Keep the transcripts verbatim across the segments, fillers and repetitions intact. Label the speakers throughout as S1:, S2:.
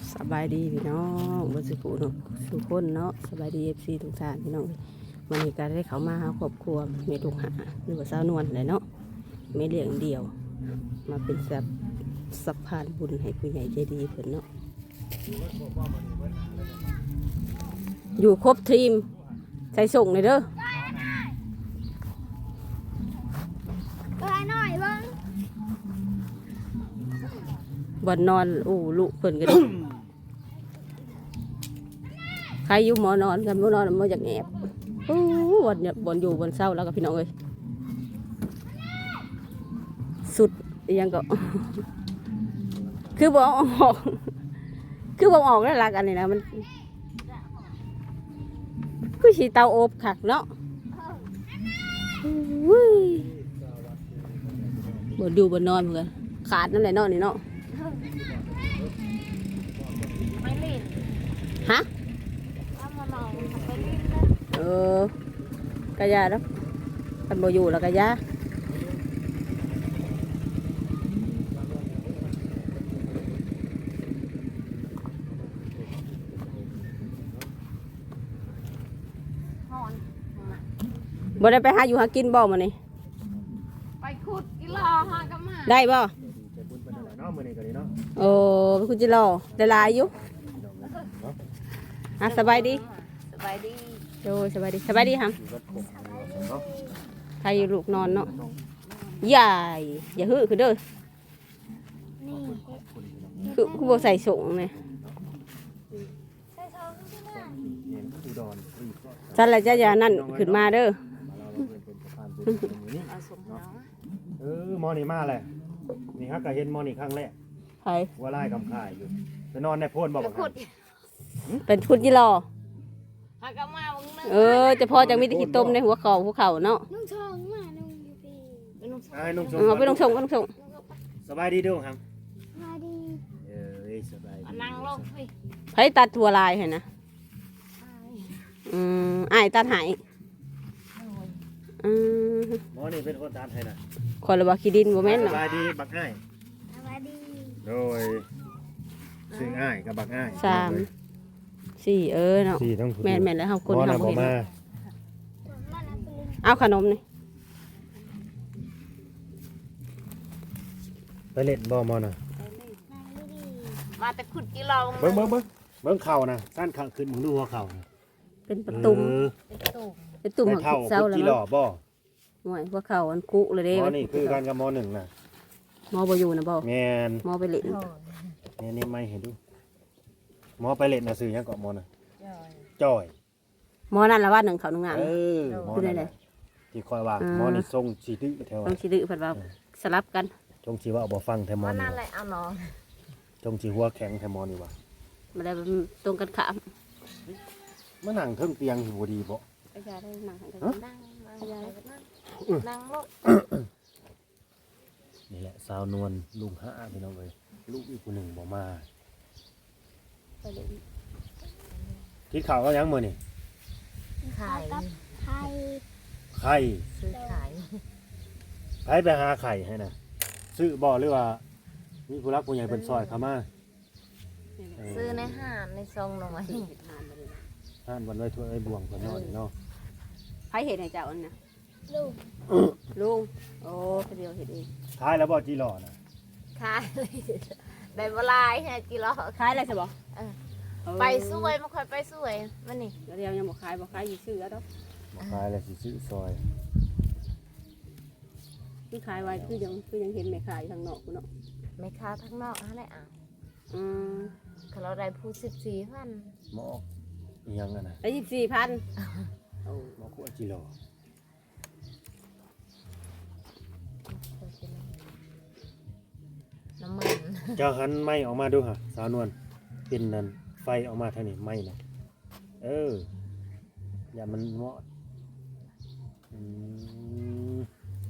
S1: สบายดีพี่น้องบนสุขุนสุขคนเนาะสบายดีเอฟซีทุกท่านพี่น้องวันนี้การได้เขามาหาครอบครัวเมตุกหาหรือว่าสาวนวลเลยเนาะไม่เลี้ยงเดียวมาเป็นสับสัพพานบุญให้ผู้ใหญ่ใจดีเพิ่นเนาะอยู่ครบทีมใส่ส่งเลยเด้อ
S2: ไปหน่อยเบ้าง
S1: บ่นอนอู้ลูกเพิ่นกัน ใครอยู่หมอนอนกันหมอนอนมาจากแอบอู้บ่นบ่นอยู่บนเศร้าแล้วกับพี่น้องเอ้ยสุดยังก็ คือบ่ออกคือบ่ออกแล้วลักอันนี้นะมันคือสีเตาอบขักเนาะวุ้ยบ่ดูบ่นอนเหมือนกันขาดนั่นแหละเนาะนี่เนาะ
S2: ไม่เล่น
S1: ฮะ
S2: ถ้ามานอนไปเล่นนะ
S1: เออกะยาแล้วกันบ่อยู่แล้วกะยาบ่ได้ไปหาอยู่หากินบ่มานี่
S2: ไปขุดกิโลหากับมา
S1: ได้บ่
S3: ใจบุญเป็นอะไรเนาะมื้อนี้ก็ดีเนาะ
S1: โอ้ไปคุณจิรอได้หลายอยู่อ่ะสบายดี
S2: สบายดี
S1: โอ้สบายดีสบายดีครับ
S3: อยู่วัดคงเนาะ
S1: ใครอยู่ลูกนอนเนาะใหญ่อย่าหื้อคือเด้อ
S2: นี่
S1: คือคือบ่ใส่ส่งเลย
S2: ใส่ซองขึ้นมา
S3: เห็นอุดรรีบก็
S1: สั่นละจ้ะอย่านั่นขึ้นมาเด้อ
S3: มาเราเพิ่นเป็นสะพานบุญตรงนี้
S2: เอาส่งน้อง
S3: เออมอนี่มาแหละนี่ฮะก็เห็นมอนี่ครั้งแรก
S1: ใคร
S3: ว่าไล่กำข่ายอยู่ไปนอนในโพนบ่บัก
S2: ขุด
S1: เป็นคุณจิรอ
S2: หากับมาบังนึง
S1: เออจะพอจังมีแตะขี้ต้มในหัวเข่าหัวเข่าเนาะ
S2: นุ่งชองมานุ่งอยู่พี่เป็นนุ่งชอง
S3: อ้ายนุ่งชม
S1: เอาไปลงส่งก็ลงส่ง
S3: สบายดีเด้อครับ
S2: มาดี
S3: เอ้ยสบายดี
S2: นั่งลงพี่
S1: ไผตัดถั่วลายให้นะอืมอ้ายตัดให้อืม
S3: หมอนี่เป็นคนทานให้นะ
S1: คนละว่าขี้ดินบ่แม่น
S3: ส
S1: เนาะ
S3: บายดีบักอ้าย
S2: สบายดี
S3: โดยซึ่งอ้ายกับบักอ้าย
S1: สามสี่เออเนาะ
S3: สี่ทั้ง
S1: แม่นแม่นแล้วเฮาคน
S3: หมอ
S1: เฮา
S3: น่ะ
S1: บ่
S3: บ่
S1: เห็น
S3: มา
S2: มาแล้วไปเล่น
S1: เอาขนมนี่
S3: ไปเล่นบ่หมอน่ะ
S2: นั่งดีมาแต่ขุดกิโล
S3: เบิ่งเบิ่งเบิ่งเบิ่งเข่านะสั้นข้างขึ้นมึงดูหัวเข่านะ
S1: เป็นประตุ่ม
S3: เออ
S2: เป็นตุ่ม
S1: เป็นตุ่ม
S3: ไป
S1: ของ
S3: เท่า
S1: เศร้า
S3: คุ
S1: แล้ว
S3: จิหล่อ
S1: เนาะ
S3: บ่
S1: ห่วยหัวเข่าอันคุเลยเด้
S3: หมอนี่คือกันกับหมอหนึ่งนะ
S1: หมอบ่อยู่นะบ่
S3: แมน
S1: หมอไปเล่น
S3: นี่นี่ไม่เห็นดูหมอไปเล่นนะซื้อหยังเกาะหมอน่ะ
S2: ย่อย
S3: จ้อย
S1: หมอนั่นละว่าหนึ่งเขาหนึ่งงาน
S3: เออหมอ
S1: คือได้
S3: นั่น
S1: เล
S3: แห
S1: ย
S3: ละที่คอยว่า
S1: อ่า
S3: หมอนี่ทรงสีดื้อแถว
S1: ต้องสิดื้อเพิ่นว่าสลับกัน
S3: จงสีว่าบ่ฟังแถวหมอ
S2: ว่า
S3: นี่
S2: นั่น
S3: ว่ะ
S2: แหละเอาน้อง
S3: จงสีหัวแข็งแถวหมอนี่ว่ะ
S1: บ่ได้ตรงกันข้าม
S3: มานั่งเทิงเตียงอยู่บ่ดีบ่
S1: อาจารย์ได้มากัน
S3: ฮะ
S2: นั่งนั่งนั่งนั่งลง
S3: นี่แหละสาวนวลลุงห้าพี่น้องเอ้ยลูกอีกคนหนึ่งบ่มา
S1: ไปเล่น
S3: คิดข่าวก็ยังมื้อนี่
S2: ขาย
S4: ไข่
S3: ไข่
S2: ซื้อขาย
S3: ไผไปหาไข่ให้น่ะซื้อบ่หรือว่ามีผู้รักผู้ใหญ่เพิ่นซอยเข้ามาเ
S2: ซื้อในห้างในซองหน่อย
S3: ห้านวันไว้ถ้วยไว้บวงเพิ่นเนาะนี่เนาะ
S1: ไผเห็นให้เจ้าอันน่ะ
S4: ลูก
S1: ลุงโอ้คนเดียวเห็นเอง
S3: ขายแล้วบ่จีหล่อน่ะ
S2: ขายเลยได้บลายฮะกิโล
S1: ขายอะไรสิบ่
S2: เออ ไปสวยไม่ค่อยไปสวยมันนี่
S1: เดี๋ยวยังบ่ขายบ่ขายอยู่ชื่อแล้วดอก
S3: บ่ขายแล้วสิซื้อซอย
S1: ที่ขายไว้คือยังคือยังเห็นแม่ขายทางนอกพุ่นเนาะ
S2: ไม่ค้าทั้งนอกฮะได้อ่ะ
S1: อืม
S2: เขาเราได้พูดสิบสี่พัน
S3: หมออีหยังอ่ะน่ะ
S1: ได้ยี่สิบสี่พันโอ้
S3: หมอคุจิหล่อ
S2: น้ำมัน
S3: เจ้าหันไม้ออกมาดูฮะสาวนวลเป็นนั่นไฟออกมาทางนี้ไม้น่ะเอออย่ามันเหมาะอืม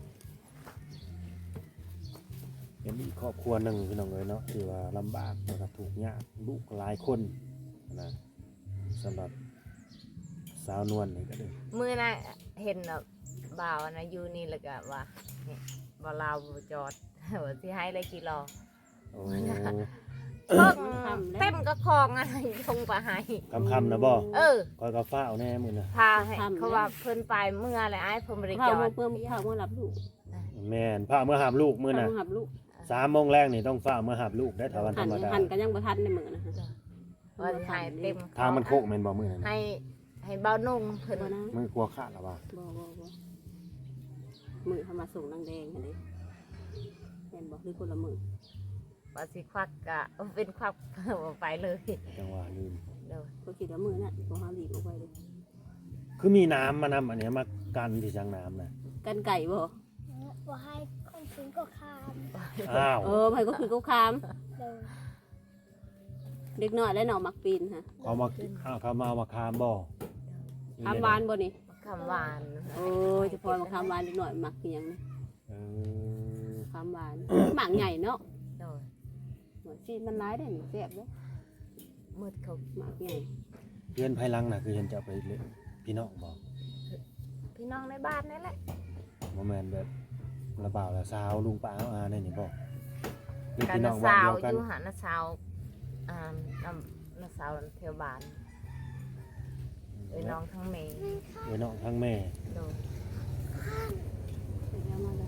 S3: เป็นอีกครอบครัวหนึ่งพี่น้องเอ้ยเนาะที่ว่าลำบากแล้วก็ถูกข์ยากลูกหลายคนนะสำหรับสาวนวลนี่ก็เลย
S2: มือนะเห็นแบบบ่าวนะอยู่นี่แล้วก็ว่าเนี่ยบ่าวลาวบ่จอดว่าที่ให้เลยกิโล
S3: โอ้
S2: เพิ่งเต็มก็คองอะไรทงไปให้
S3: คำๆนะบ่
S2: เออ
S3: คอยก็ฟ้าวแน่มื้อน่ะ
S2: พาให้เขาว่าเพิ่นไปเมื่ออะไรไอ้เพิ่นบริ
S1: พา
S2: จา
S1: เมื่
S2: ค
S1: อเพื่อพาเมื่อรับลูก
S3: แม่นพาเมื่อหามลูกมื้อ
S1: พา
S3: น่ะ
S1: เมื่อรับลูก
S3: สามโมงแรกนี่ต้องฟ้าวเมื่อหามลูกได้ถ้าวันธ
S1: หั
S3: ร
S1: น
S3: รมดา
S1: หันกันยังบ่ทันในมือนะฮะ
S2: ว่าสิให้เต็ม
S3: ทางมันโคกแม่นบ่มื้อนั้น
S2: ให้ให้เบานุ่งเพิ่น
S1: บ่นะ
S3: มื้อกลัวขาดแล้วว่า
S1: บ่บ่บ่มือเขามาส่งนางแดงอันนี้เห็นบอกหรือคนละมือ
S2: ว่าสิควักกะเป็นควักบ่ไปเลย
S3: จังหวะลืม
S2: เด้อ
S1: ก็คิดว่ามือน่ะบ่เฮาหลีกออกไปเลย
S3: คือมีน้ำมานำอันเนี้ยมากันที่จังน้ำน่ะ
S1: กันไก่บ่
S4: ว่าให้คนซื้อก็คาม
S3: อ้าว
S1: เออไผก็คือเขาคาม
S4: เลย
S1: เด็กน้อยและน้องมักปีนฮะ
S3: เขามาอ้าวเขามาเอามาคามบ่
S1: คามหวานบ่นี่
S2: คำหวาน
S1: โอ้ยเฉพาะมาคามหวานเด็กน้อยมักคือหยังนี่
S3: เออ
S1: คามหวานหมากใหญ่เนาะ
S2: เด้อ
S1: เหมือนซีนมันร้ายได้นี่แซ่บเด้อ
S2: มืดเขา
S1: หมากใหญ่
S3: เพื่อนภายหลังน่ะคือเห็นจะเอาไปเล่นพี่น้องบ่
S2: พี่น้องในบ้านนั่นแหละ
S3: บ่แม่นแบบระบ่าวละสาวลุงป้าเอาอาได้นี่บ่หรือ
S2: กัน
S3: พี่น้
S2: นะ
S3: องบ้า
S2: สาน ว
S3: เดียวกัน
S2: อยู่หานะสาวอ่าน้ำนะสาวเทวบ้านเอ้ยน้องทั้งเมย์
S3: เอ้ยน้องทั้งแม่
S2: เด้อ
S1: เป็นยังมาเลย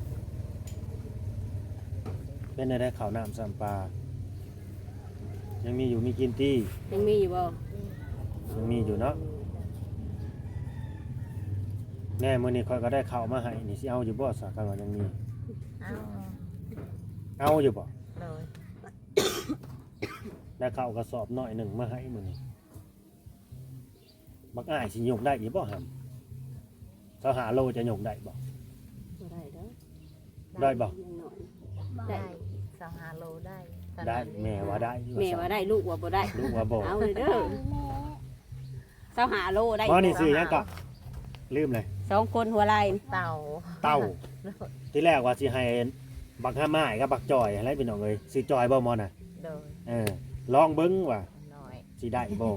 S3: เป็นได้ข้าวน้ำซ้ำปลายังมีอยู่มีกินตี้
S1: ยังมีอยู่บ่
S3: ยังมีอยู่เนาะแน่มื้อนี้ข่อยก็ได้ข้าวมาให้นี่สิเอาอยู่บ่สักกันว่ายังมี
S2: เอา
S3: เอาอยู่บ่
S2: เด้อ
S3: ได้ข้าวกระสอบน้อยหนึ่งมาให้มื้อนี้บักอ้ายสิยกได้อีบ่หั่นเจ้าหาโลจะยกได้บ่
S1: บ่ได้เด้อ
S3: ได้บ่
S1: ยังน้อย
S2: ได้สองฮาโลได้ตอน
S3: ได้
S2: นั้น
S3: แม่ว่าได้อยู่
S1: แม่ว่าได้ลูกว่าบ่ได้
S3: ลูกว่าบ่
S1: เอาเลยเด้อ
S4: แม่
S1: เจ้าหาโลได้
S3: บ่นี่ซื้อหยังก็ลืมเลย
S1: สองคนหัวไหล่
S2: เต่า
S3: เต้าที่แรกว่าสิให้บักห้าไม้กับบักจอยอะไรพี่น้องเอ้ยสิจอยบ่หมอน่ะ
S2: เด้อ
S3: เออลองเบิ่งว่า
S2: น้อย
S3: สิได้บ่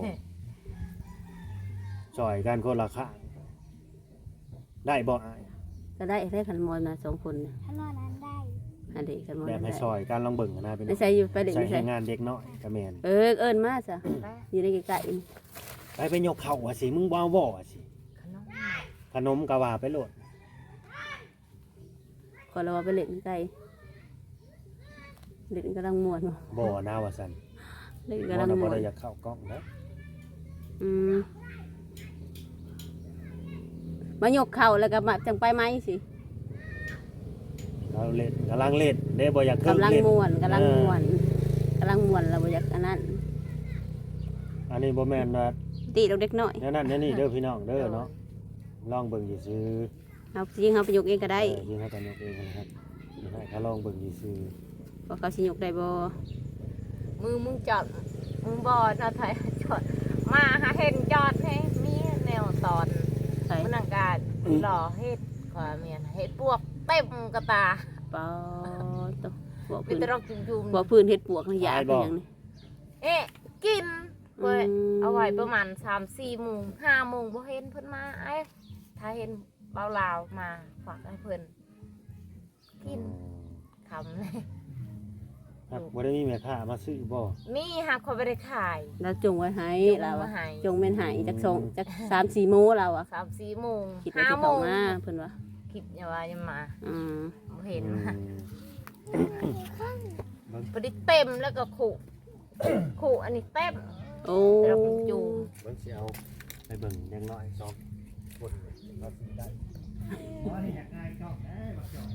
S3: จอยกันคนละข้างได้บ่อ้าย
S1: ก็ได้ได้ขันมอนมาสองคนน่ะ
S4: ถ้านอนนั้นได้
S1: อันเด็กขันมอน
S3: แบบให้ซอยกันลองเบิ่งกันนะพี่น้
S1: ไม่
S3: อง
S1: ใส่อยู่ไปเด็ก
S3: ใส่
S1: ไม่
S3: ให้
S1: ใส่
S3: งานเด็กน้อยก็แม่น
S1: เออเอิ้นมาซะ
S2: ได้
S1: อยู่ในไก่ๆนี่
S3: ไปไปยกเข้าว่าสิมึงบ่เอาบ่ว่าสิ
S2: ขนม
S3: ขนมก็ว่าไปโลด
S1: ขอเราว่าไปเล่นไก่เล่นกำลังม่วนบ่
S3: บ่นะว่าซั่น
S1: เล่น
S3: บ่
S1: กำลัง
S3: นะบ่
S1: ม่วน
S3: ได้อยากเข้ากล้องนะ
S1: อืมมายกเข่าแล้วก็มาจังไปไหมสิ
S3: เราเล่นกำลังเล่นเด้บ่อยากเคิ่ง
S1: กำลัง
S3: เล่น
S1: ม่วนกำลังม่วนกำลังม่วนเราบ่อยากอันนั้น
S3: อันนี้บ่แม่นว่า
S1: ตีเราเด็กน้อย
S3: แนวนั้นแนวนี้เด้อพี่น้องเด้อเนาะลองเบิ่งซื่อ
S1: เอาจริงเขาไปยกเองก็
S3: ๆ
S1: ได้
S3: เออยิงให้กันยกเองนะครับยิงให้เขาลองเบิ่งซื่อ
S1: ว่าเขาสิยกได้บ่
S2: มือมึงจอดมึงบอดนะไทยจอดมาหาเห็นจอดให้มีแนวตอน
S1: ใส่
S2: มันอากาศหล่อเฮ็ดขอเมียนเฮ็ดพวกเต็มกระตา
S1: ปอตวบ่
S2: มี
S1: พื้น
S2: แต่รอกจุ่ม
S1: บ่พื้นเฮ็ดปวกนี่ยาเป็นหยังนี่
S2: ๆเอ๊ะกินเว้ย
S1: อืม
S2: เอาไว้ประมาณสามสี่โมงห้าโมงบ่เห็นเพิ่นมาไอ้ถ้าเห็นเบาลาวมาฝากให้เพิ่น
S3: ๆ
S2: กินคำเลย
S3: ครับบ่ได้มีแม่ค้ามาซื้อบ่
S2: มีหักเขาไปได้ขาย
S1: เราจงไว้ให้
S2: จง
S1: เรา
S2: ไว้
S1: อะ
S2: ให้
S1: จงแม่นให้จักสองจักสามสี่โมงเราอะ
S2: สามสี่โมง
S1: คิดว่า
S2: ห้า
S1: สิ
S2: โม
S1: เข้าง มาเพิ่นว่า
S2: คิดอย่าว่าอย่ามา
S1: อืม
S2: บ่เห็น
S3: อื
S2: นะ
S3: ม
S2: พอดีเต็มแล้วก็ขู่ ขู่อันนี้เต็ม
S1: โอ้
S2: เราเป็นจูง
S3: เบิ่งสิเอาไปเบิ่งเด็กน้อยสองคนว่าสิได้อ๋อนี่อยากได้กล้องเด้บักจอย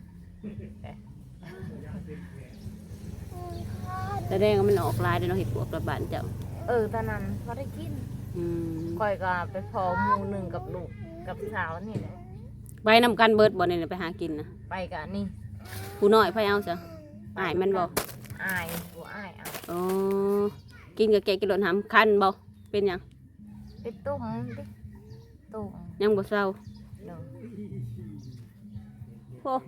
S1: แสดงว่ามันออกลายเด้อเนาะเฮ็ดปวกระบาดเจ้า
S2: เออตอนนั้นพอได้กิน
S1: อืม
S2: คอยก็ไปพอหมูหนึ่งกับลูกกับสาวนี่แหละ
S1: ไปนำกันเบิดบ่นี่ไปหากินนะ
S2: ไปกันนี่
S1: ผู้น้อยไผเอาซะอ้ายมันบ่
S2: อายบัวอายเอา
S1: อ๋อกินกับแกงกินหล่นหำคันบ่เป็นหยัง
S2: ไปตุ้มดิตุ้ม
S1: ยังบ่เศร้า
S2: เนาะ
S1: โอ้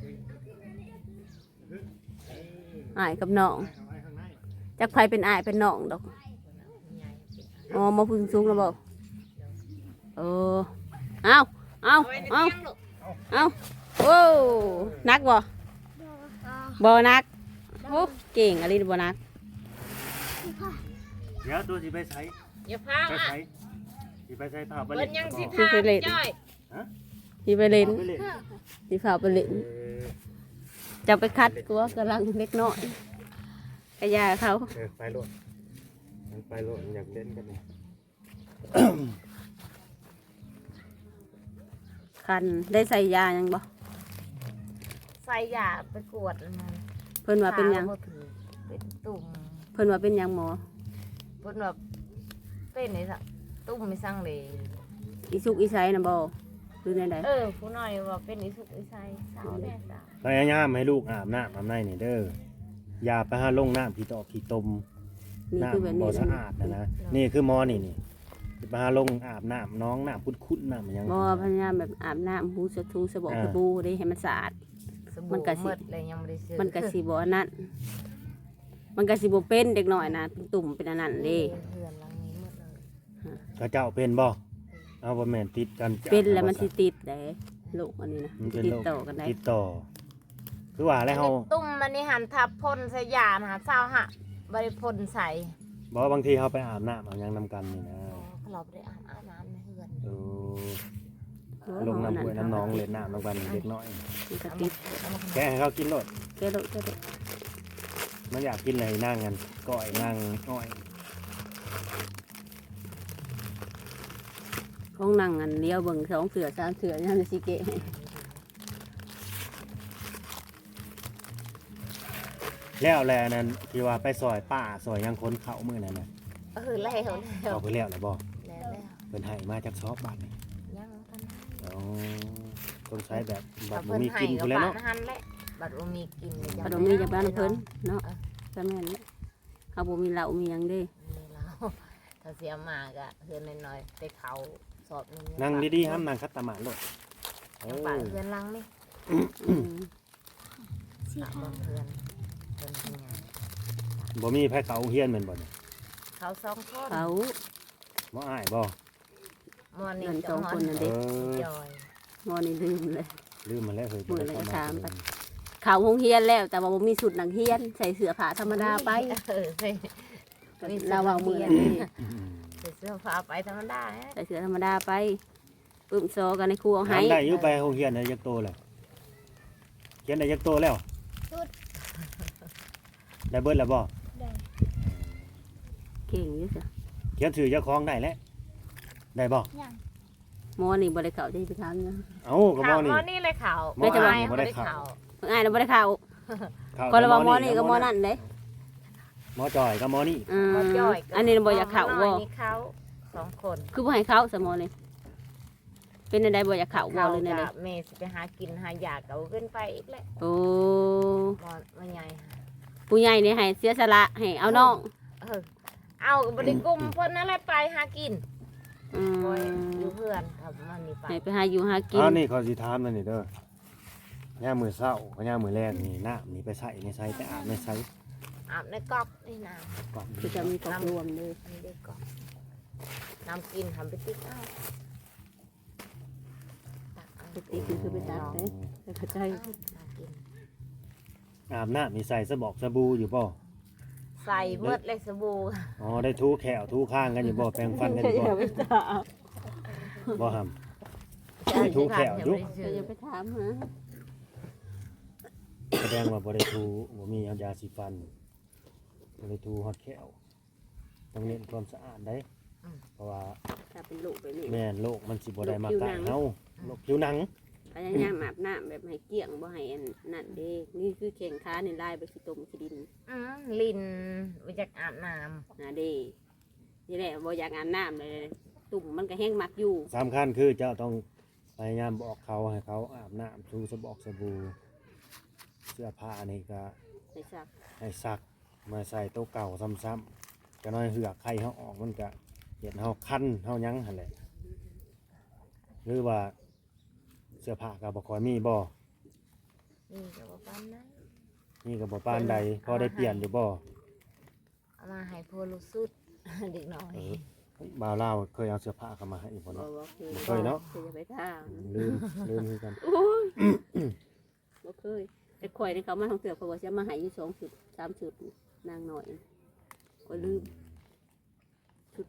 S1: อ้ายกับน้องจักไผเป็นอ้ายเป็นน้องดอก
S2: ใหญ่
S1: อ๋อมาพึ่งสูงแล้วบ่เออเอาเอา
S2: เอาไว้ใน
S1: เอา
S2: เตียงลูก
S1: เอาโอ้นักบ่
S4: บอกอ่า
S1: บ่นักโอ้เก่งอะไรบ่นัก
S4: พี่พ่อ
S3: เดี๋ยวตัวสิไปใช้
S2: อย่าพา
S3: ไป
S2: อ่ะ
S3: ใช้สิไปใช้ผ้าไป
S2: เพิ่
S3: เล่
S2: น
S3: น
S2: ยังสิ
S3: บ่
S2: พาจ้อย
S1: ที่ไปเล่น
S3: ไปเล่น
S1: ที่ฝ่าไปเล่น
S3: เออ
S1: จะไปคัดกลัวกำลังเล็กน้อยกระยาเขา
S3: เออไปโลดมันไปโลดมันอยากเล่นกันนี่
S1: คันได้ใส่ยายังบ่
S2: ใส่ยาไปกวดมัน
S1: เพิ่นว่าเป็นหยัง
S2: ขบ่ถือเป็นตุ่ม
S1: เพิ่นว่าเป็นหยังหมอ
S2: เพิ่นว่าเป็นนี่ซะตุ่มไม่สั่งเลย
S1: อีสุกอีไซน่ะบ่หรือในใด
S2: เออผู้น้อยว่าเป็นอีสุกอีไซสาวแม่สาว
S3: พยายามให้ลูกอาบน้ำอาบในนี่เด้ออย่าไปหาลงน้ำผีตอกผีตม
S1: นี่คือแบบ
S3: น้ำบ่
S1: นี้
S3: สะอาดนะนะนี่คือหมอนี่นี่สิไปหาลงอาบน้ำน้องน้ำคุ้นๆน้ำหยัง
S1: บ่พยายามแบบอาบน้ำหูสะทูสบู่สบู่ได้ให้มันสะอาด
S2: ส
S1: มั
S2: บู่
S1: นก็สิ
S2: หมดเลยยังไม่ได้ซื้อ
S1: มันก็สิบ่อันนั้นมันก็สิบ่เป็นเด็กน้อยนะเป็นตุ่มเป็นอันนั้นเด้
S2: เพื่อนหลังนี้หมดเลย
S3: กระเจ้าเป็นบ่เอาบ่แม่นติดกันจ้ะ
S1: เป็นแล้วมันสิติดได้โรคอันนี้นะ
S3: มันเป็น
S1: ติด
S3: โรค
S1: ต่อกันได้
S3: ติดต่อ คือว่าแล้วเฮา
S2: ตุ่มมันนี่หันทับพ่นใส่ยานะฮะเศร้าฮะบริพ่นใส่
S3: บอกว่าบางทีเฮาไปอาบน้ำเอาหยังนำกันนี่นะ
S2: เราไปอาบอาบน้ำในเฮือน
S3: เออลงน้ำห้วยน้ำหนองเล่นน้ำนำกันเด็กน้อย
S1: มันก็ติด
S3: แกะให้เขากินโลด
S1: แก้โรคแก้โรค
S3: มันอยากกินอะไรนั่งกันก้อยนั่งอ้อย
S1: ของนั่งอันเลี้ยวเบิ่งสองเสือสามเสือนั่นสิเกะให้
S3: แล้วแลนั่นที่ว่าไปซอยป้าซอยยังคนเขามื้อนั้นน่ะ
S2: เออแล้วแล้ว
S3: เอาไปแล้วล่ะบ่
S2: แล้วแล้ว
S3: เพิ่นให้มาจากซอบบาทนี่
S2: ยังทัน
S3: อ๋อต้องใช้แบบบั
S2: ถ้า
S3: ดบ่
S2: เพิ่น
S3: มี
S2: ให้
S3: กิน
S2: กั
S3: พุ่
S2: บ
S3: นแล้ว
S2: บ้า
S3: เนาะ
S2: นหันแหละบัดบ่มีกินเลย
S1: ขนมมีจากบ้านเพิ่นเนาะก็แม่นแหละเขาบ่มีเหล้ามีหยังเด้
S2: มีแล้วถ้าเสียมากะเฮือนน้อยๆไปเขาสอบนึง
S3: นั่งดีๆห้ามนั่งคัดตะหมาดโลดเอ
S2: ยัง
S3: อ
S2: ปากเฮือนลังนี่
S1: อืม
S4: สี่
S2: ปาก
S4: ห้า
S2: บ่เฮือนเพิ่นทำงาน
S3: บ่มีไผเขาเฮียนแม่นบ่เนี่ย
S2: เขาสองคน
S1: เขา
S3: บ่อ้ายบ่
S2: มอนี่
S1: นั่นสองคนนั่น
S3: เอ
S1: เด้
S3: อ
S2: จอย
S1: งอนี่ลืมเลย
S3: ลืมมาแล้วเฮ้ย
S1: มื้อนั้นก็ถามไป เขาโรงเรียนแล้วแต่ว่าบ่มีชุดนักเรียนใส่เสื้อผ้าธรรมดาไป
S2: เออใส่
S1: เราเอามือนี่
S3: อืม
S2: ใส่เสื้อผ้าไปธรรมดาฮะ
S1: ใส่เสื้อธรรมดาไปปึ้มโซกันในครูเอาให้
S3: ถามได้อยู่ไปโรงเรียนได้ยักโตแล้วเขียนได้ยักโตแล้ว
S4: ชุด
S3: ได้เบิดแล้วบ่
S4: ได้
S1: เก่งอยู่จ้ะ
S3: เขียนชื่อเจ้าของได้แล้วได้บ่
S4: ยัง
S1: หมอนี่บ่ได้เข้าได้ไปถามนะ
S3: เอ้าก็
S2: ข่า
S3: บ่
S2: ว
S3: นี่
S2: มอนี่เลยข่าว
S3: หมออ้าย
S2: เขา
S3: บ่ได้
S2: ได้
S3: ข่าว
S2: ข่าว
S1: เพิ่นอ้ายน่ะบ่ได้เข้า
S3: เข้า
S1: ก็เลยว่าหมอ
S3: กับ
S1: นี่กับหมอนั่นเด้
S3: หมอจอยกับหมอนี่
S1: อืม
S2: หมอจ้อย
S1: อันนี้น่ะบ่อยากเข้า
S2: หม
S1: บ่
S2: อน้อยนี่เขาสองคน
S1: คือบ่ให้เข้าซะหมอนี่เป็นจังไดบ่อยากเข้าบ่
S2: เขา
S1: หรือจังได
S2: กับเมย์สิไปหากินหายากเอาขึ้นไปอีกแหละ
S1: โอ้
S2: หมอมาใหญ่ค่ะ
S1: ผู้ใหญ่นี่ให้เสียสละให้เอาน้อง
S2: เออเอาบริกรมเพิ่นนั่นแหละไปหากิน
S1: อืม
S2: บ่อยู่เพื่อนครับมันนี่ไป
S1: ให้ไปหาอยู่หากิน
S3: อ้าวนี่เขาสิถามนั่นนี่เด้อย่ามมื้อเช้ากับย่ามมื้อแรกนี่น้ำนี่ไปใส่ในใส่ไปอาบในใส่
S2: อาบในก๊อกนี่นะ
S3: ก่อน
S1: คือจะมีกอกรวมเลย
S2: นี่ได้ก๊อกน้ำกินทำไปติ๊กเอาตักเอา
S1: ปกติคือคือไปตัดเด้แต่เข้าใจ
S2: น้ำกิน
S3: อาบน้ำนี่ใส่สบอกสบู่อยู่บ่
S2: ใส่เมืดเลยสบู่
S3: อ๋อได้ทูแขวทูข้างกันอยู่บ่แปรงฟันกันอยู่บ่
S1: ไปถาม
S3: บ่หำ ให้ทุกแถวยุก
S1: ก็อย่าไปถามฮะ
S3: แสดงว่าบ่ได้ทูบ่มียาสีฟันบ่ได้ทูฮอดแขวต้องเน้นความสะอาดได้เพราะว่า
S1: ถ้าเป็นลูกแบบนี้
S3: แม่นโรคมันสิบ่ได้มา
S1: โรคผิว
S3: กั
S1: หนั
S3: ด
S1: ง
S3: เฮาโรคผิวหนัง
S1: พยายามอาบน้ำแบบให้เกลี้ยงบ่ให้อันนั่นเด้นี่คือแข่งขาในลายไปขี้ตมขี้ดิน
S2: อืมลินมาจากอาบน้
S1: นะเด้นี่แหละบ่อยากอาบน้ำเลยตุ่มมันก็แห้งมักอยู่
S3: สำคัญคือเจ้าต้องพยายามบอกเขาให้เขาอาบน้ำทูสบอกสบู่เสื้อผ้านี่ก็
S1: ในซัก
S3: ให้ซักมาใส่โต๊ะเก่าซ้ำๆก็น้อยเหือกไข่เฮาออกมันก็เฮ็ดเฮาคันเฮาหยังหั่นแหละหรือว่าเสื้อผ้าก็บ่ค่อยมีบ่
S2: ำนี่ก็บอกว่านะ
S3: นี่ก็บ่ปานใดพอได้เปลี่ยนอยู่บ่
S2: เอามาให้พวลูกสุด เด็กน้อย
S3: เออบ่าวลาวเคยเอาเสื้อผ้าเข้ามาให้บ่
S1: บ่
S3: เนาะ
S1: บ่เคย
S3: บ่เคยเนาะ
S1: คือจะไปถาม
S3: ลืมลืมคือกัน
S1: โอ้ยบ่เคยแต่ข่อยนี่เขามาท่องเที่ยวเขาบอกจะมาให้อยู่สองชุดสามชุดนางหน่อยก็ลืม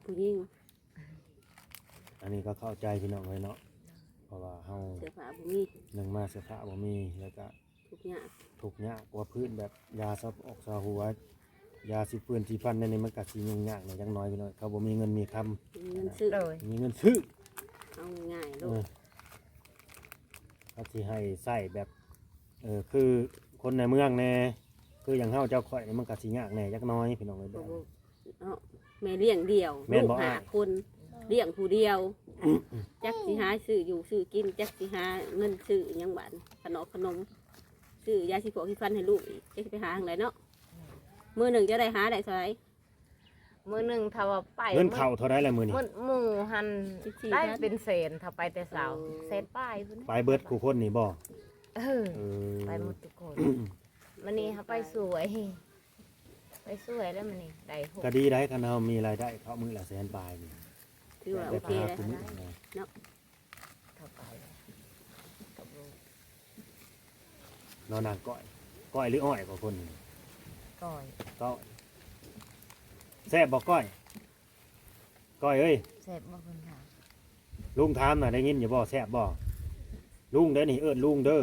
S1: ผู้หญิง
S3: อันนี้ก็เข้าใจพี่น้องเลยเนาะเพราะว่าเฮา
S1: เสื้อผ้าบ่มี
S3: หนึ่งมาเสื้อผ้าบ่มีแล้วก็
S1: ทุกอย่าง
S3: ถูกยากกว่าพื้นแบบยาซับออกซาหัวยาสิปืนที่ฟันในนี้มันก็สิยุ่งยากหน่อยจังน้อยพี่น้อยเขาบ่มีเงินมีคำ
S1: มีเงินซื้อ
S2: โดย
S3: มีเงินซื้อ
S1: เอาง่ายๆ
S3: เอ
S1: ลูก
S3: อเขาสิให้ใส่แบบเออคือคนในเมืองแน่คืออย่างเฮาเจ้าข่อยนี่มันก็สิยากแน่จักหน้อยพี่น้องเอ้ยแบบ
S1: เนาะแม่เลี้ยงเดี่ยว
S3: แม่น
S1: ลู
S3: บ่
S1: กหา
S3: อ้าย
S1: คนเลี้ยงผู้เดียวจักสิหาซื้ออยู่ซื้อกินจักสิหาเงินซื้อหยังบานขนมขนมซื้อยาสิพวกที่ฟันให้ลูกอีกจะไปหาทางไหนเนาะมือหนึ่งจะได้หาได้เท่าไหร่
S2: มื้อหนึงถ้าว่าไป
S3: เงินเข้าเท่าใดล่ะมื้อนี้
S2: มื้อหมู่หัน
S1: สิบสี่
S2: ได้
S1: พัน
S2: เป็นเศษถ้าไปแต่เช้าเศษป้ายพุ่น
S3: ไปเบิดคู่คนนี่บ่
S2: เออ
S3: เออ
S2: ไปหมดทุกคนมันนี่เขาไปสวย ไปสวยแล้วมันนี่ได้หก
S3: ก็ดีได้คันเฮามีรายได้เข้ามื้อละแสนปลายนี่
S1: ถือว่าโอ
S3: ได้
S1: เค
S3: พา
S1: เลย
S3: คุ้มนะ
S2: เข้าไปกับลูก
S3: นอนนางก้อยก้อยหรืออ้อยกว่าคนนี่
S2: ก่อย
S3: ก้อยแซ่บบ่ก้อยก้อยเอ้ย
S2: เสร็จบ่คนถาม
S3: ลุงถามน่ะได้ยินอยู่บ่แซ่บบ่ลุงเด้อนี่เอิ้นลุงเด้อ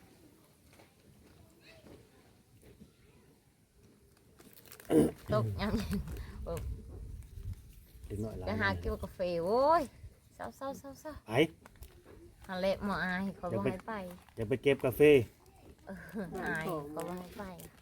S2: ตกยัง
S3: เด็กน้อยหลาย
S2: จะหากินกาแฟโว้ยเศร้าเศร้าเศร้าเศร้า
S3: ไป
S2: ฮันเละหมออายเขาบ่ให้ไป
S3: จะไปเก็บกาแฟ
S2: เอออายเขาบ่ให้ไป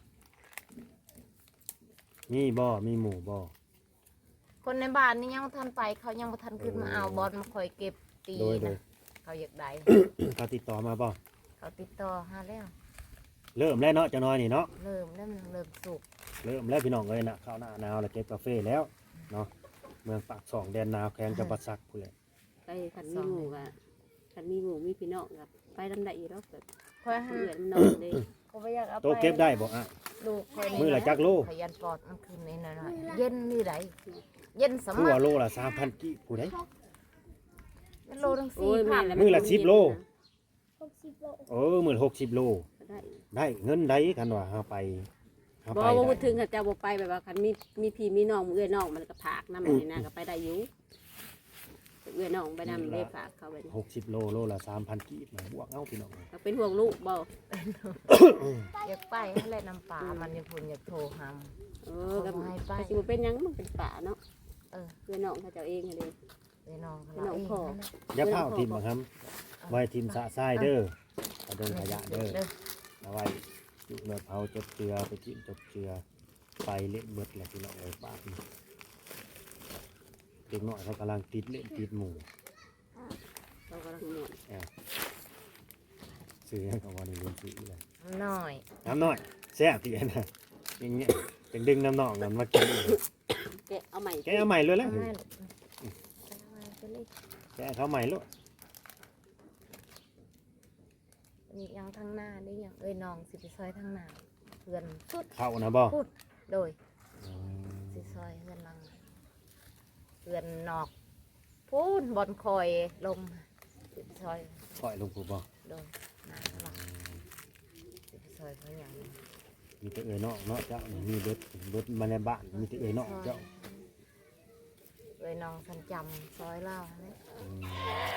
S3: มีบ่มีหมูบ่
S2: คนในบ้านนี่ยังบ่ทันไป เขายังบ่ทันขึ้นมาเอาบอลมาคอยเก็บตี
S3: โดยโดย
S2: นะเขาอยากได้
S3: เขาติดต่อมาบ่
S2: เขาติดต่อหาแล้ว
S3: เริ่มแล้วเนาะเจะน้อยนี่เนาะ
S2: เริ่มแล้วมันเริ่มสุก
S3: เริ่มแล้วพี่น้องเอ้ยนะเข้าหน้าหนาวแล้วเก็บกาแฟแล้วเนาะเมืองปากสองแดนหนาวแข่งจะประสักผู้นแหละ
S1: ไปคันมีหมูกะคันมีหมูมีพี่น้องกับไปลำได้อีกแล้วแบบ
S2: คอยหา
S1: เพื่อนมันนอนเลย
S2: เขาบ่อยากเอาไป
S3: โตเก็บได้บ่อ่ะ
S2: ลูกคน
S3: มื้อละจักโล
S2: ขยันปอดมันคืนนี้หน่อยๆเย็นนี่ไดเย็นส
S3: คือ
S2: มั
S3: ว่า
S2: คร
S3: โลละสามพันกิผู้ใด
S2: โลทั้ง
S1: โอ้
S2: สี่
S1: ย
S2: พั
S1: แม่
S2: น
S1: แล้ว
S3: มื้อละสิบโล
S4: หกสิบโล
S3: เออมื้อหกสิบโล
S1: ก็ได้
S3: ได้เงินได้กันว่าเฮาไปเฮา
S1: บ่
S3: ไป
S1: ว่า
S3: ได้
S1: พูดถึงเขาเจะบ่ไปแบบว่าคันมีมีพี่มีน้องเอื้อยน้องมันก็ผากน้ำมันนี่นะก็ไปได้อยู่เอื้อยน้องไปนำได้ฝากเขาไป
S3: หกสิบโลโลละสามพันกีบมาบวกเอาพี่น้อง
S1: ก็เป็นห่วงลูกบ่
S2: อยากไปให้แล่น้ำปลามันยังพุ่นอยากโทรห
S1: เออก็
S2: เขาบ่ให้ไป
S1: ก็สิบ่เป็นหยังมันเป็นป่าเนาะ
S2: ำเออ
S1: เอื้อยน้องเขาเจ้าเองเลย
S2: ไปน้องเขา
S1: ไปน้อง
S2: เอง
S1: พ่อ
S2: นั่นแหละ
S3: อย่าเผาทิมบ่ครับไว้ทิมสะทรายเด้อเอาดงขยะเด้อ
S2: เด้อ
S3: เอาไว้จุเนื้อเผาจบเจือไปจิ้มจบเจือไปเล่นเบิดแหละพี่น้องเอ้ยปากนี่เด็กน้อยเขากำลังติดเล่นติดหมู่
S1: เรากำลังม่วน
S3: ซื้อให้กับวันนี้เรียนซื้อเลย
S2: น้อย
S3: น้ำน้อยแซ่บที่นะอย่างเงี้ยจังดึงน้ำนองกันมากินอีก
S1: แกะเอาใหม่
S3: แกเอาใหม่เลยแหละ
S2: เอามาเอามาไปเลย
S3: แกเขาใหม่เลย
S2: นี่ยังทางหน้านี่ยังเอ้ยน้องสิไปซอยทางหน้าเพื่อนสุด
S3: เข้านะบ่
S2: พูดโดย
S3: อืม
S2: สิซอยเพื่อนลังเพื่อนนอกพูนบอลคอยลงสิไปซอย
S3: ปล่อยลงผูบ่
S2: โดยหน้าหลังสิไปซอยเขาอย่างนี้
S3: มีแต่เอ่ยนอกเนาะเจ้านี่มีเบิดเบิดมาในบ้านมีแต่เอ่ยนอกเจ้า
S2: เอ้ยน้องสันจำซอยเล่าเนี่ย
S3: อืม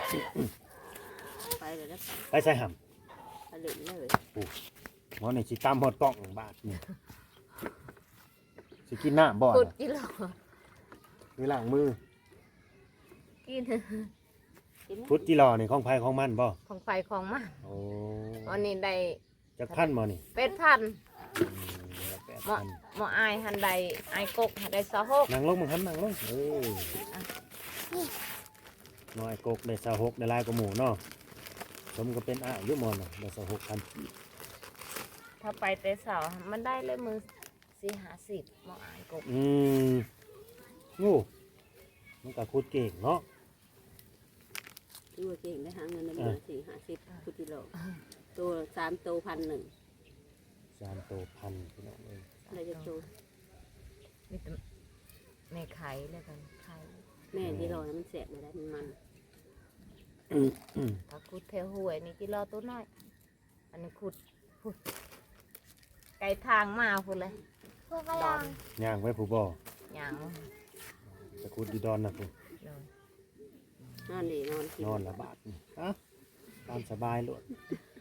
S1: ไปเลยนะ
S3: ไปใส่ห
S1: ไปเล่นเลย
S3: ำหมอนี่สิตามหอดกล้องบาทนี่สิกินน้ำบ่อ
S2: กุด
S3: น่ะ
S2: กิโล
S3: หรือล้างมือ
S2: กิน
S1: กินไหม
S3: พุทธิรอนี่ของไผของมันบ่
S2: ของไฟของมัน
S3: โอ้
S2: วันนี้ได้
S3: จักพันบ่นี่
S2: เป็ดพัน
S3: อืมแปด
S2: หมอ
S3: พัน
S2: หมออายหันใดอายกกหันใดสะหก
S3: นั่งลงมึงหันนั่งลงเออน้อยกกได้สะหกได้หลายกว่าหมูเนาะสมก็เป็นอ้ายอยุมอนน่ะได้สะหกพัน
S2: ถ้าไปแต่เสาร์มันได้เลยมือสี่ห้าสิบหมออายกก
S3: อืมงูมันก็คุดเก่งเนาะ
S1: ถือว่าเก่งได้หาเงินในเดือนสี่ห้าสิบพุทธิโลตัวสามตัวพันหนึ่ง
S3: สามโตพันพี่น้องเอ้ย
S1: ได้จะตัว
S2: มีแต่แม่ไข่แล้วกันไข่
S1: แม่ที่รอนะมันแสบเลยได้มันมัน
S2: ถ้าขุดแถวห้วยนี่กิโลตัวน้อย อันนี้ขุดขุดไกลทางมาพูดเลย
S4: พวกกระลัง
S3: ย่างไว้ผู้บ่
S2: อย่าง
S3: จะขุดขุดอยู่ดอนน่ะพุ่น
S2: โดย
S1: นอนดีนอนกิน
S3: นอนละบาทนี่อ่ะตามสบายโลด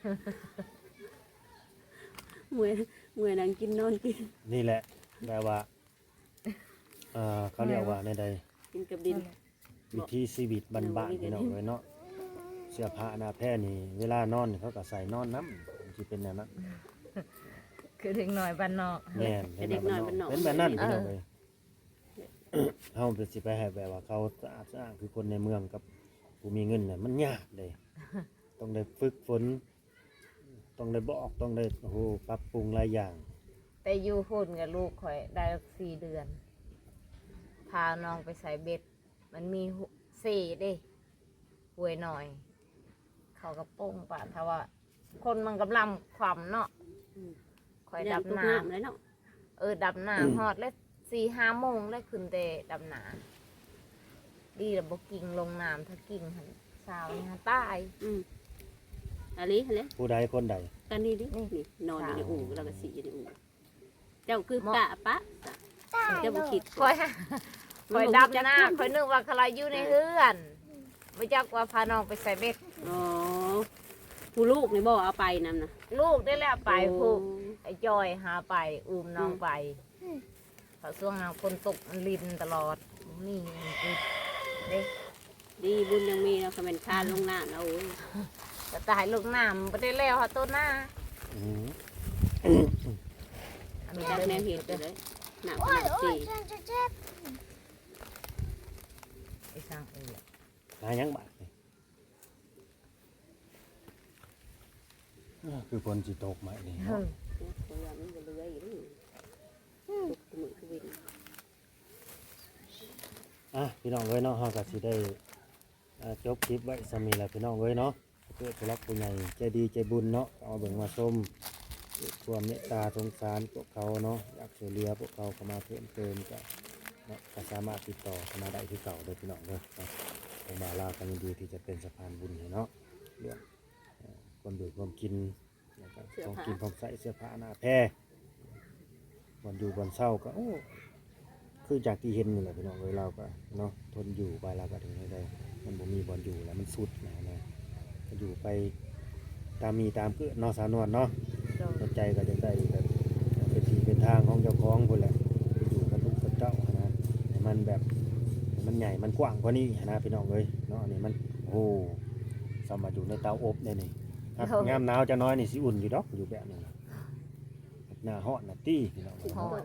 S1: เมื่อยเมื่อยนั่งกินนอนกิน
S3: นี่แหละแบบว่าเอ่อเขาเรียกว่าในใด
S1: กินกับดิน
S3: วิถีชีวิตบ้านๆพี่น้องเอ้ยเนาะเสื้อผ้าหน้าแพร่นี่เวลานอนนี่เขาก็ใส่นอนน้ำสิเป็นแนวนั้น
S2: คือถึงหน่อยบ้านนอก
S3: แม่นเป็นแบบนั้นเป็นแบบนั้นพี่น้องเอ้ยเฮาเป็นสิไปให้แบบว่าเขาสะอาดสะอ้างคือคนในเมืองกับผู้มีเงินน่ะมันยากเลย ต้องได้ฝึกฝนต้องได้บอกต้องได้โอ้โหปรับปรุงหลายอย่าง
S2: แต่อยู่พุ่นกับลูกข่อยได้สี่เดือน พาน้องไปใส่เบ็ด มันมีสี่เด้หวยหน่อย เขาก็โป้งป่ะถ้าว่า คนมันกำลังความเนาะข่อยดับ
S1: ทุก
S2: น้
S1: น้ำเลยเนาะ
S2: ำเออดับน้ำฮอดแล้วสี่ห้าโมงแล้วขึ้นเตะดับน้ำดีแล้วบกิ่งลงน้ำถ้ากิ่งหันสาวนี่ฮะตาย
S1: อืมอะไรอะไร
S3: ผู้ใดคนใด
S1: กันนี่ดินี่นอนอยู่ในอู่แล้วก็สีอยู่ในอู่เจ้าคือกะปะเจ้าบุคิด
S2: คอยคอยดับหน้าคอยนึกว่าใครอยู่ในเฮือนไม่จักว่าพาน้องไปใส่เบ็ด
S1: อ๋อผู้ลูกนี่บอกเอาไปนั่นนะ
S2: ลูกได้แล้วไปผูกไอ้จอยหาไปอุ้มน้องไปเพราะช่วงนั้นคนตกมันลินตลอดนี่คือเด็ก
S1: ดีบุญยังมีเราคอมเมนต์คานลงหน้าเราโอ้ย
S2: จะตายลูกน้ำไม่ได้แล้วค่ะต้นหน้า
S3: อืม
S2: อัน
S1: มี
S2: นี้
S1: จัก
S2: เดิ
S1: แน
S2: น
S1: ว
S2: เห็
S1: เห็
S2: น
S1: ด
S2: เล
S1: เลย ยหนักหนักสี
S2: ไอ้ช่างเอ๋ย
S3: หายังบาทนี่อ่าคือคนสิตกไหมนี่
S2: เฮ้
S3: เนาะ
S2: ย
S1: ตัวอย่างมันจะเลื้อยอยู่นี่ตุกมือคือวิน
S3: อ่ะพี่น้องเอ้ยเนาะเฮาก็สิได้อ่าจบคลิปไว้สมีแหละพี่น้องเอ้ยเนาะเพื่อผู้รักผู้ใหญ่ใจดีใจบุญเนาะเอาเบิ่งมาชมด้วยความเมตตาสงสารพวกเขาเนาะอยากช่วยเหลือพวกเขาเข้ามาเพิ่มเติมก็เนาะก็สามารถติดต่อเข้ามาได้ที่เก่าเด้อพี่น้องเด้อเนาะผมมาลากันยินดีที่จะเป็นสะพานบุญให้เนาะเรื่องเอ่อความดื่มความกินแล้วก็ของกินของใส่เสื้อผ้าหน้าแพร่วันอยู่วันเศร้าก็โอ้ คือจากที่เห็นนี่แหละพี่น้องเอ้ยเราก็เนาะทนอยู่ไปเราก็ถึงได้ได้มันบ่มีบอลอยู่แล้วมันสุดนะนะก็อยู่ไปตามมีตามเกิดเนาะสาวนวลเนาะ
S2: โดน
S3: หัวใจก็จะได้แบบเป็นที่เป็นทางของเจ้าของคนแหละอยู่กับลูกกับเจ้านะให้มันแบบให้มันใหญ่มันกว้างกว่านี้นะพี่น้องเอ้ยเนาะอันนี้มันโอ้สามารถอยู่ในเตาอบได้นี่ครับงามหนาวจะน้อยนี่สิอุ่นอยู่ดอกอยู่แบบนี้หน้าฮ้อนน่ะตี้พี่น้องเอ้ย
S2: หอน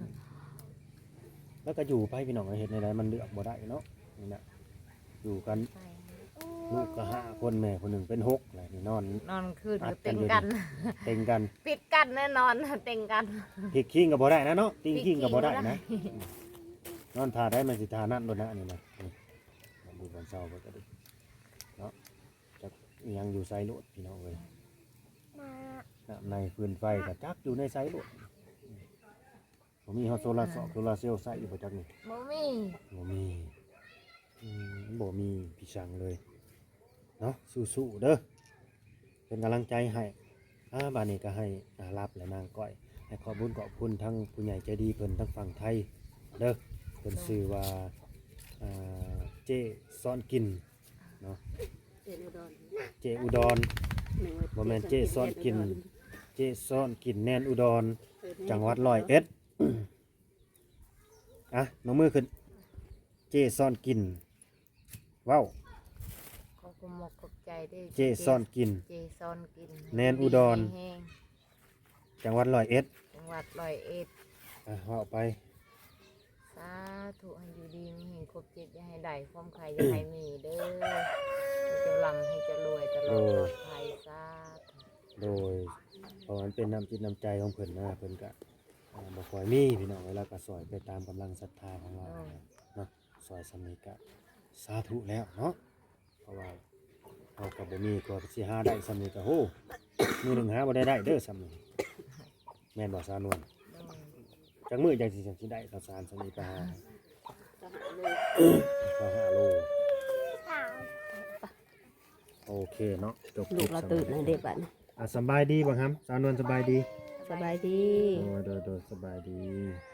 S3: แล้วก็อยู่ไปพี่น้องเห็นในไรมันเลือกบ่ได้เนาะนี่นะอยู่กันลูกก็ห้าคนแม่คนหนึ่งเป็นหกอะไรนี่นอน
S2: นอนคืนก็เต็งกัน
S3: เต็งกัน
S2: ปิดกันแน่นอนเต็งกัน
S3: พลิกขิงกับบ่ได้นะเนาะติ้งขิงกับบ่ได้
S2: พลิกขิงบ่ได้
S3: นะนอนทาได้มันสิทานั่นโดนนะอันนี้นะนี่มันดูวันเช้าก็ได้เนาะจะยังอยู่ไซโลดพี่น้องเลยน้ำในฟืนไฟกับจักอยู่ในไซโลดผมมีฮอตโซลาร์โซลาร์เซลล์ใส่อยู่ประจักนี่
S2: บ่มี
S3: บ่มีอืมบ่มีพี่ชังเลยเนาะสู้ๆเด้อเป็นกำลังใจให้อ่าบานนี้ก็ให้อารับและนางก้อยให้ขอบคุญขอบคุณทั้งผู้ใหญ่ใจดีเพิ่นทั้งฝั่งไทยเด้อเพิ่นชื่อว่าอ่าเจซ้อนกินเนาะ
S1: เอ็นอุดร
S3: เจอุดร บ่แม่นเจ๊ซ่อนกิน เจซ้อนกินแนนอุดร จังหวัดร้อยเอ็ด อ่ะน้องมือขึ้น เจซ้อนกินว้าว
S2: ขอบคุณหมกขอบใจด้วย
S3: เจซ้อนกิน
S2: เจซ้อนกิน
S3: แนนอุดร
S2: แห้ง
S3: จังหวัดร้อยเอ็ด
S2: จังหวัดร้อยเอ็ด
S3: อ่ะว่าไป
S2: สาธุให้อยู่ดีมีเห็นครบเจ็ดอย่าให้ได้ความใครอย่าให้มีเด้อให้เจะลำให้เจะรวยตลอดปลอดภัยสาธุ
S3: โดยเพราะมันเป็นน้ำจิตน้ำใจของเพิ่นนะเพิ่นก็อ่าบ่ค่อยมีพี่น้องเวลาก็ซอยไปตามกำลังศรัทธาของเราเนาะซอยสำนิก็สาธุแล้วเนาะเพราะว่าเอากับบ่มีก็สิหาได้สำนิก็โหมือหนึงหาบ่ได้ได้เด้อสำนิแม่นบ่สาวนวล
S2: เด้อ
S3: จักมื้อจังสิจังสิได้ข้าวสารสำนิไปหา
S1: จะหาเลย
S3: ก็ห้าโลโอเคเนาะจบค
S1: ลู
S3: ลิ
S1: ก
S3: ป
S1: เรา
S3: สำ
S1: ตื่น
S3: ห
S1: นะ
S3: รับ
S1: เด็กบ้าน
S3: อ่ะสำบายดีบ่ครับสาวนวลสบายดี
S1: สบายดี
S3: โอ้โดยโดยสบายดี